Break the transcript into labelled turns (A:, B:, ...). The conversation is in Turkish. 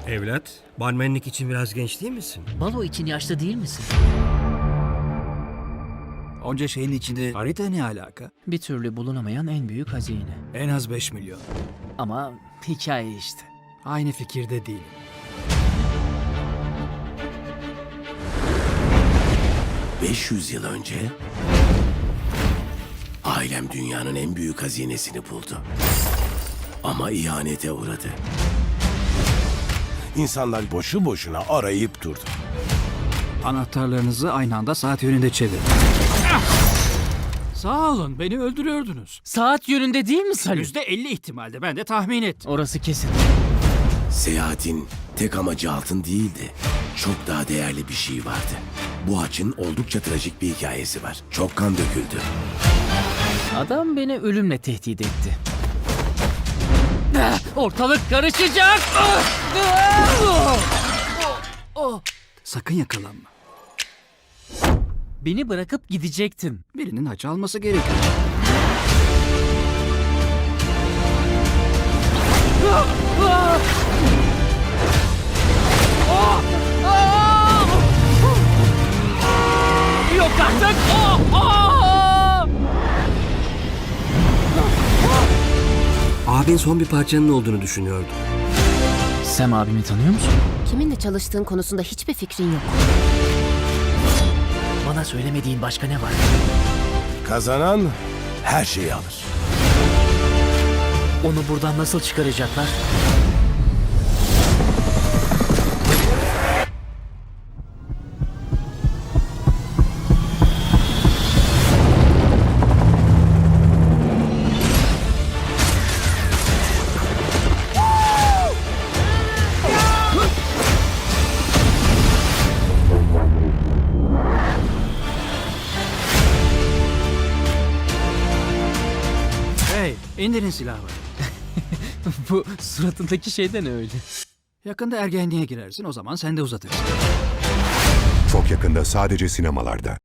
A: Evlat, barmenlik için biraz genç değil misin?
B: Balo için yaşlı değil misin?
C: Onca şeyin içinde harita ne alaka?
B: Bir türlü bulunamayan en büyük hazine.
C: En az 5 milyon.
B: Ama hikaye işte.
C: Aynı fikirde değilim.
D: ...500 yıl önce... ...ailem dünyanın en büyük hazinesini buldu. Ama ihanete uğradı. İnsanlar boşu boşuna arayıp durdu.
C: Anahtarlarınızı aynı anda saat yönünde çevirin. Sağ olun, beni öldürüyordunuz.
B: Saat yönünde değil mi Salih?
C: %50 ihtimalde, ben de tahmin ettim.
B: Orası kesin.
D: Seyahatin tek amacı altın değildi. Çok daha değerli bir şey vardı. Bu haçın oldukça trajik bir hikayesi var. Çok kan döküldü.
B: Adam beni ölümle tehdit etti. Ortalık karışacak!
C: Sakın yakalanma.
B: Beni bırakıp gidecektin.
C: Birinin haç alması gerekiyor.
B: Yok artık!
A: Abin son bir parçanın olduğunu düşünüyordu.
B: Sam abimi tanıyor musun?
E: Kiminle çalıştığın konusunda hiçbir fikrin yok.
B: Bana söylemediğin başka ne var?
D: Kazanan her şeyi alır.
B: Onu buradan nasıl çıkaracaklar?
C: Hey, indirin silahı.
B: Bu suratındaki şeyden öyle.
C: Yakında ergenliğe girersin, o zaman sen de uzatırsın.
F: Çok yakında sadece sinemalarda.